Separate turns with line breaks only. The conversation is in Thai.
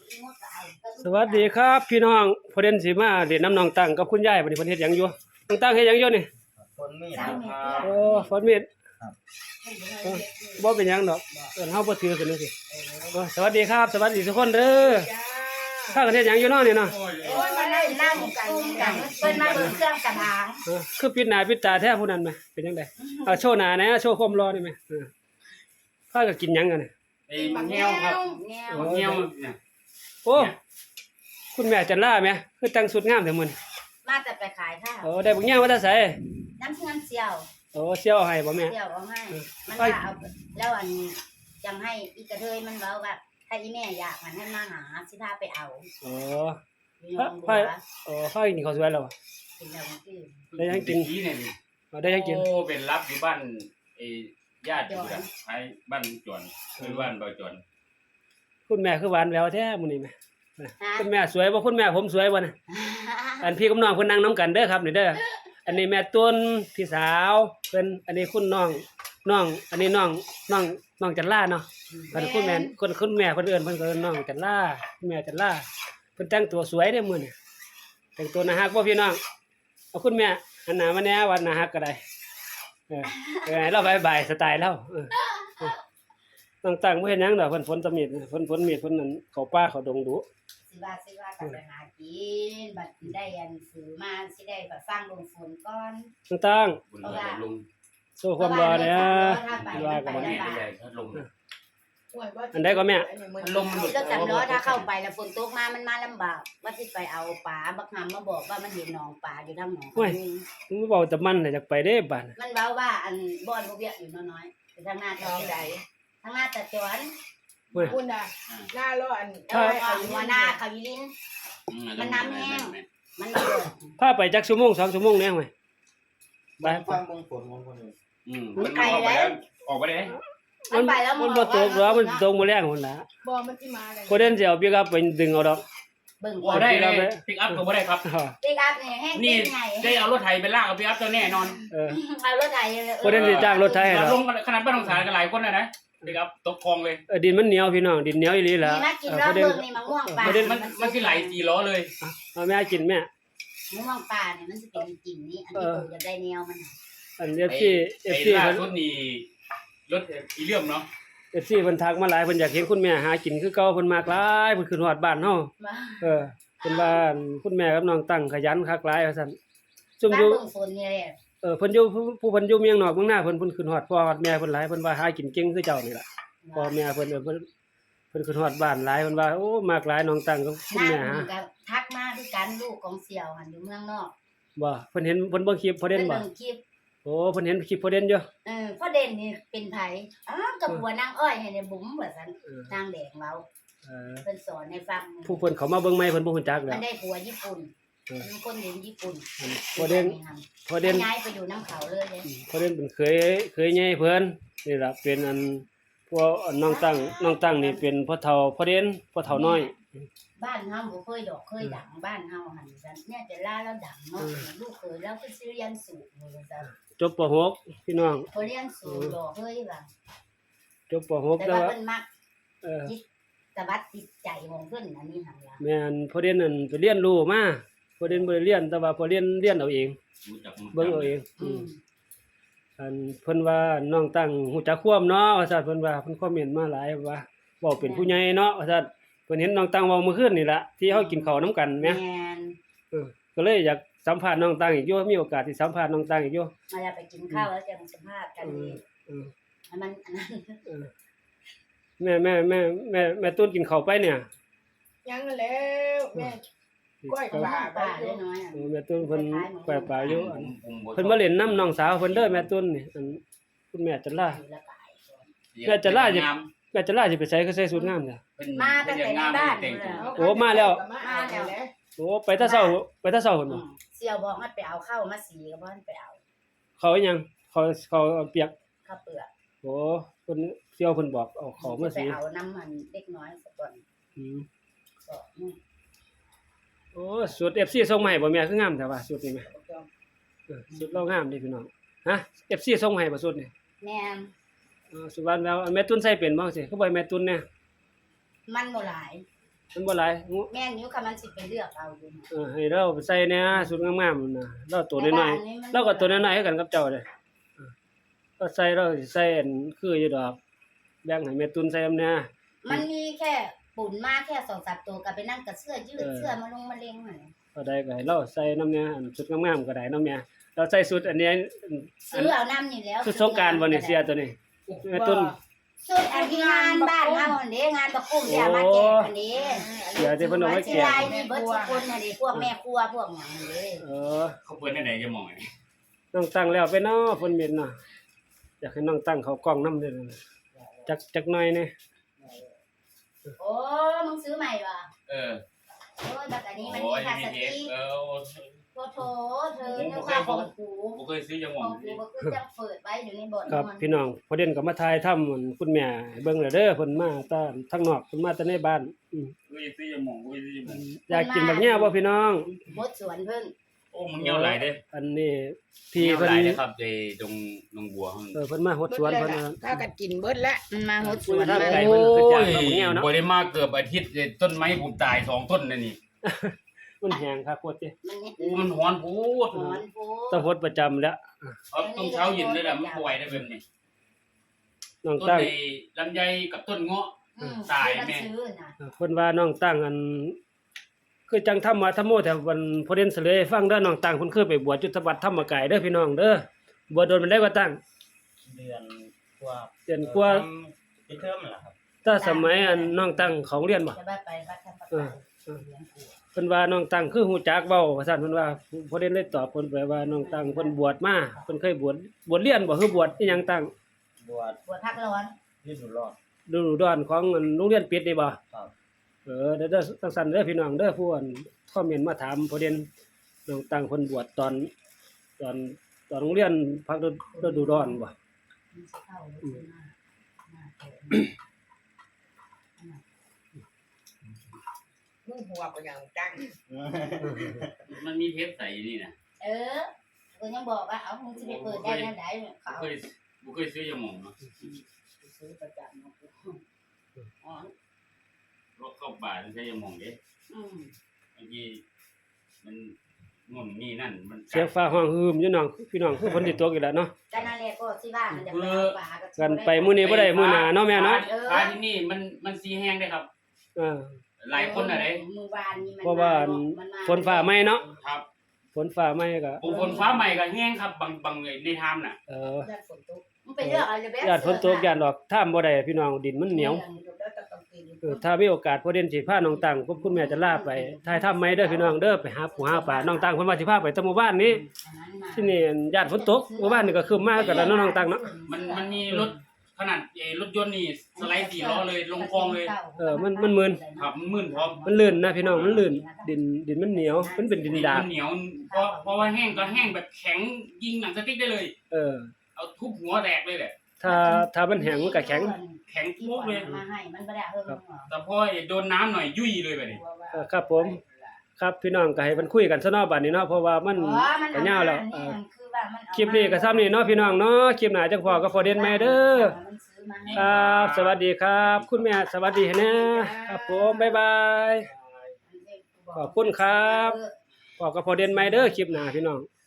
สวัสดีครับพี่น้องพอเด่นสิมาเล่นน้ำน้องตั้งกับคุณยายบัดนี้เพิ่นเฮ็ดหยังอยู่น้องตั้งเฮ็ดหยังอยู่นี่
ฝนมีดครับ
โอ้ฝนมีด
ครับ
บ่เป็นหยังดอกเอิ้นเฮาบ่ถือกันจังซี่โอ้สวัสดีครับสวัสดีทุกคนเด้อถ้ากันเฮ็ดหยังอยู่เนาะนี่เนาะ
โอ้ยมานั่งกุ้งกันเพิ่นมาเบิ่งเครื่องสำอาง
คือปิดหน้าปิดตาแท้ผู้นั้นแหมเป็นจังไดเอาโชว์หน้าแหน่โชว์ความรอได้ไหมพากันกินหยังกันนี่
ไอ้เงี้ยวครับเงี้ยวเนี่ย
โอ้คุณแม่จันล่าแหมคือแต่งสุดงามแต่มื้อนี้
มาแต่ไปขายข้าว
โอ้ได้บักแย่มาแต่ไส
น้ำเงินเสี่ยว
โอ้เสี่ยวให้บ่แม่
เสี่ยวเอาให้มันว่าเอาแล้วอันจังให้อีกระเทยมันเว้าว่าถ้าอีแม่อยากมันให้มาหาสิพาไปเอา
โอ้
อยู่ยองบั
ไผ
ว
โอ้ไผกินข้าวสวยแล้ว
กินแล้วมันคือ
ได้ยังกิน
ที่เนี่ย
ได้ยังกิน
โอ้เป็นรับอยู่บ้านไอ้ญาติอยู่นะไอ้บ้านจวนคือบ้านบ่จวน
คุณแม่คือหวานแหววแท้มื้อนี้แม่คุณแม่สวยบ่คุณแม่ผมสวยบ่น่ะอันพี่กับน้องเพิ่นนั่งนํกันเด้อครับนี่เด้ออันนี้แม่ตุนพี่สาวเพิ่นอันนี้คุณน้องอันนี้น้องจันล่าเนาะอันคุณแม่คุณแม่เพิ่นเอิ้นเพิ่นก็เอิ้นน้องจันล่าคุณแม่จันล่าเพิ่นแต่งตัวสวยเด้อมื้อนี้แต่งตัวน่ารักบ่พี่น้องเอาคุณแม่หันหน้ามาแหน่ว่าน่ารักก็ได้ให้เราบายสไตล์เราตั้งบ่เฮ็ดหยังดอกเพิ่นฝนตะมีดเพิ่นมีดเพิ่นนั่นเข้าป่าเข้าดงดุ
สิว่ากันไปหากินบัดได้อันซื้อมาสิได้แบบฟังลงฝนก่อน
ตั้ง
บุญเลยลุง
โซ่ความรอเนี่ยว่ากัน
แม่ใหญ่ถ้าลง
อันใดก็แม่
ลมมันหลุด
ก็จำเนาะถ้าเข้าไปแล้วฝนตกมามันมาลำบากว่าสิไปเอาปลาบักหำมาบอกว่ามันเห็นหนองปลาอยู่ทางหนอง
มึงเว้าแต่มันน่ะอยากไปเด้บัด
มันเว้าว่าอันบ่อนบ่เวียกอยู่น้อยๆคือทางหน้าทางใดทางหน้าตะจวน
เว้ย
คุณน่ะหน้าร้อน
เขาหัวหน้าเขายิลินมันน้ำแห้งมันบ่
พาไปจักชั่วโมง2ชั่วโมงแน่ห่วยไป
ฟังเบิ่งฝนของคนอื่น
มันออกไปแล้วออกไปเลย
มันไปแล้ว
มันบ่ตกหรอกมันตกบ่แรงพุ่นล่ะ
บ่มันสิมาเลย
บ่เด่นสิเอาปิกอัพไปดึงเอาดอก
เบิ่ง
โอ้ได้เลยปิกอัพก็บ่ได้ครับ
ปิกอัพนี่แห้ง
นี่
เป็นไง
ได้เอารถไถไปลากเอาปิกอัพตัวแน่นอน
เอารถไถ
บ่เด่นสิจ้างรถไถให้ดอก
ลงขนาดบ้านของสารกันหลายคนนะปิกอัพตกคลองเลย
ดินมันเหนียวพี่น้องดินเหนียวอีหลีล่ะ
นี่มากินแล้วเบิ่งนี่มะม่วงป่า
มันคือไหล4ล้อเลย
เอาแม่กินแม่
มะม่วงป่าเนี่ยมันสิเป็นกลิ่นนี้อันที่ปู่จะได้แนวมัน
อัน
ไอ้
FC
ล่า
เพิ่น
สุดนี่รถอีเลี่ยมเนาะ
FC เพิ่นทักมาหลายเพิ่นอยากเห็นคุณแม่หากินคือเก่าเพิ่นมากหลายเพิ่นขึ้นฮอดบ้านเฮาเพิ่นว่าคุณแม่กับน้องตั้งขยันคักหลายว่าซั่นซุ่ม
บ้าน
อยู่
เบิ่งฝนนี่แหละ
เพิ่นอยู่ผู้เพิ่นอยู่เมียงนอกเมืองหน้าเพิ่นขึ้นฮอดพ่อฮอดแม่เพิ่นหลายเพิ่นว่าหากินเก่งคือเจ้านี่ล่ะพ่อแม่เพิ่นขึ้นฮอดบ้านหลายเพิ่นว่าโอ้มากหลายน้องตั้งกับคุณแม่หา
ก็ทักมาคือกันลูกของเสี่ยวหันอยู่เมืองนอก
บ่เพิ่นเห็นเพิ่นเบิ่งคลิปพอเด่นบ่
เบิ่งคลิป
โอ้เพิ่นเห็นคลิปพอเด่นอยู่
พ่อเด่นนี่เป็นไผกับบัวนางอ้อยให้ในบุ๋มว่าซั่นนางแดงเราเพิ่นสอนให้ฟัง
ผู้เพิ่นเข้ามาเบิ่งใหม่เพิ่นบ่ฮู้จักแล้
มั
วน
ได้ผัวญี่ปุ่นเป็นคนเรียนญี่ปุ่น
พอเด่น
ย้ายไปอยู่น้ำเขาเลยเลย
พอเด่นเป็นเคยใหญ่เพิ่นนี่ล่ะเป็นอันพวกน้องตั้งนี่เป็นพ่อเฒ่าพอเด่นพ่อเฒ่าน้อย
บ้านเฮาบ่เคยดอกเคยดังบ้านเฮาหั่นซั่นเนี่ยจะล่าแล้วดังเนาะลูกเคยแล้วก็สิเรียนสูงว่าซั่น
จบป .6 พี่น้อง
พอเรียนสูงดอกเฮ้ยว่า
จบป .6
แต่
แล้ว
ว่า
ว่า
เพิ่นมัก
เออ
ตะบัดจิตใจของเพิ่นอันนี้หั่นล่ะ
แม่นพอเด่นนั่นไปเรียนรู้มาพอเด่นบ่ได้เรียนแต่ว่าพอเรียนเอาเองเบิ่งเอาเองอันเพิ่นว่าน้องตั้งฮู้จักความเนาะว่าซั่นเพิ่นว่าเพิ่นคอมเมนต์มาหลายว่าเว้าเป็นผู้ใหญ่เนาะว่าซั่นเพิ่นเห็นน้องตั้งเว้าเมื่อคืนนี่ล่ะที่เฮากินข้าวนํกันแหม
แม่น
ก็เลยอยากสัมภาษณ์น้องตั้งอีกอยู่มีโอกาสที่สัมภาษณ์น้องตั้งอีกอยู่
มาแล้วไปกินข้าวแล้วจังสัมภาษณ์กันดีมันอันนั้น
แม่ตุ้นกินข้าวไปเนี่ย
ยังแล้วแม่ก้อยปลาไป
ป่า
อยู่
น้อยๆอ่ะ
แม่ตุ้นเพิ่นแปลปลาอยู่อันเพิ่นมาเล่นน้ำน้องสาวเพิ่นเด้อแม่ตุ้นนี่อันคุณแม่จันลาแม่จันลาสิไปไสก็ใส่สูทงามจ้ะ
มาตั้งแต่ในบ้านเลย
โอ้มาแล้ว
มาแล้ว
โอ้ไปแต่เช้าเพิ่นบ่
เสี่ยวบอกให้ไปเอาข้าวมาสีก็บ่ให้ไปเอา
เขาอีหยังเขาเปียก
ข้าวเปลือก
โอ้เพิ่นเสี่ยวเพิ่นบอกเอาเขามา
ไป
สิ
เอาน้ำมันเล็กน้อยสักก่อน
อืม
ก็
โอ้สูตร FC ส่งมาให้บ่แม่คืองามแต่ว่าสูตรนี้แม่สูตรเรางามเด้พี่น้องฮะ FC ส่งมาให้บ่สูตรนี่
แม่น
สุวรรณแล้วแม่ตุ้นใส่เป็นบ่สิคือบ่ให้แม่ตุ้นแน่
มันบ่หลาย
มันบ่หลาย
แม่นอยู่ค่ะมันสิไปเลือกเอาอยู่
ให้เราไปใส่แหน่สุดงามๆนั่นน่ะเราตัวน้อยๆเราก็ตัวน้อยๆคือกันกับเจ้าเด้ก็ใส่เราสิใส่อันคืออยู่ดอกแบ่งให้แม่ตุนใส่นำแหน่
มันมีแค่ปุ่นมาแค่2-3ตัวก็ไปนั่งกับเสื้อยืดเสื้อมาลงมาเล็งหั่น
ก็ได้ก็ให้เราใส่นำแหน่อันสุดงามๆก็ได้นำแหน่เราใส่สุดอันนี้
ซื้อเอาน้ำนี่แล้ว
สุดสงกรานต์บ่นี่เสียตัวนี้แม่ตุน
สุดอันที่งานบ้านเฮาอันนี้งานประกุ้มอย่ามาแจกอันนี้
เดี๋ยวที่เพิ่นเอาไว้แจก
ลายนี่เบิดทุกคนอันนี้พวกแม่ครัวพวกหยังอันนี้
เขาเปิดได้ไหนจะมองไง
น้องตั้งแล้วไปเนาะเพิ่นเม็ดเนาะอยากให้น้องตั้งเขากล้องนำเด้อจักหน่อยนี่
โอ้มึงซื้อใหม่ป่ะ
เออ
โอ้ยแบบอันนี้มัน
โอ้
มี
ย
พลาส
นี่
ติก โถเธอนึกว่าของกู
ผมเคยซื้อจะม
ข
อ
อง งกูก็คือจะเปิดไว้อยู่ในบ่อน
ครับพี่น้องพอเด่นก็มาถ่ายทำเหมือนคุณแม่ให้เบิ่งแล้วเด้อเพิ่นมาตาทางนอกเพิ่นมาแต่ในบ้าน
เคยซื้อจะมองเคยซื้อจะมอง
อยากกินบักแย่บ่พี่น้อง
มดสวนเพิ่น
โอ้มึงเงี้ยวไหลเด้
อันนี้พี่
เงี้ยว
เพิ่น
ไหลนะครับไอ้ตรงนงบัวห้อง
เพิ่นมาหดสวนเพิ่น
ถ้ากันกินเบิดแล้ว
มันมาหดสวน
ครับ
เลย
เพิ่นคือจ้างมาบักแย่เนาะ
บ่ได้มาเกือบอาทิตย์ต้นไม้ผมตาย2ต้นนั่นนี่
มันแห้งคักโคตรติ
มันนี่
โอ้มันฮ้อนโพด
หอนโพ
ต้องหดประจำแล้ว
เอาต้นเช้าเย็นเลยล่ะมันป่วยได้แบบนี้
น้อง
ต้น
ตั้ง
ไอ้ลำไยกับต้นเงาะ ตายแม่
ซื้อน่ะ
เพิ่นว่าน้องตั้งอันคือจังธรรมะธรรมโมแต่วันพอเด่นเสลยให้ฟังเด้อน้องตั้งเพิ่นเคยไปบวชจุตบัตรธรรมกายเด้อพี่น้องเด้อบวชโดนมันได้ว่าตั้ง
เดือนกว่า
เดือนกว่า
ปิดเทอมนั่นแหละครับ
ถ้าสมัยอันน้องตั้งของเรียนบ่
จะไปวัดธรรมกายเลี้ยงปู่
เพิ่นว่าน้องตั้งคือฮู้จักเว้าว่าซั่นเพิ่นว่าพอเด่นได้ตอบเพิ่นไปว่าน้องตั้งเพิ่นบวชมาเพิ่นเคยบวชเรียนบ่คือบวชอีหยังตั้ง
บวช
ปวดพักร้อน
ยื่นหนูรอด
ฤดูร้อนของอันโรงเรียนปิดนี่บ่
ครับ
เด้อจังซั่นเด้อพี่น้องเด้อผู้อันคอมเมนต์มาถามพอเด่นน้องตั้งเพิ่นบวชตอนโรงเรียนพักฤดูร้อนบ่
มันสิเข้าหรือสิมาเกิด
มึงหัวก็ยังจัง
มันมีเทปใส่อยู่นี่นะ
กูยังบอกว่าเอามึงสิไปเปิดได้ยังไงเขา
บ่เคยซื้อจะมองเนาะ
ซื้อประจำเนาะอ๋อ
รถเข้าป่าใช้จะมองเด้ บางทีมันงุ่นนี่นั่นมัน
เสียงฟ้าห้องฮืมอยู่น้องพี่น้องคือฝนสิตกอีกแล้วเนาะ
กันนั่นแหละก็สิว่ามันจะไปเอาปลา
กันไปมื้อนี้บ่ได้มื้อหน้าเนาะแม่เนาะ
ปลาที่นี่มันสีแห้งได้ครับ หลายคนอะไร
มื้อวานนี้มัน
เพราะว่าฝนฟ้าไหม้เนาะ
ครับ
ฝนฟ้าไหม้ก็
ฝนฟ้าใหม่ก็แห้งครับบางในทามน่ะ
ญาติฝนตกมันไปเลือกเอาเลยแบ๊ะ
ญาติฝนตกญาติดอกท่ามบ่ได้พี่น้องดินมันเหนียวถ้ามีโอกาสพอเด่นสิพาน้องตังกับคุณแม่จะลาไปถ่ายทำไหมเด้อพี่น้องเด้อไปหาปูหาปลาน้องตังเพิ่นว่าสิพาไปแต่หมู่บ้านนี้ที่นี่ญาติฝนตกหมู่บ้านนี่ก็คือมากันแล้วเนาะน้องตังเนาะ
มันมีรถขนาดรถยนต์นี่สไลด์4ล้อเลยลงคลองเลย
มันมึน
ครับมื่นพร้อม
มันลื่นนะพี่น้องมันลื่นดินมันเหนียวมันเป็นดินดาบ
มันเหนียวเพราะว่าแห้งก็แห้งแบบแข็งยิงหนังสติ๊กได้เลย เอาทุบหัวแตกเลยแหละ
ถ้ามันแห้งมันก็แข็ง
แข็งปุ๊บเลย
มาให้มันบ่ได้เฮิงหรอ
แต่พอโดนน้ำหน่อยยุ่ยเลยแบบนี้
ครับผมครับพี่น้องก็ให้มันคุยกันซะเนาะบัดนี้เนาะเพราะว่ามันก็ยาวแล้วคลิปนี้ก็ซ้ำนี่เนาะพี่น้องเนาะคลิปหน้าจังพอก็พอเด่นแม่เด้อครับสวัสดีครับ คุณแม่สวัสดีนะครับผมบ๊ายบายขอบคุณครับพอก็พอเด่นแม่เด้อคลิปหน้าพี่น้อง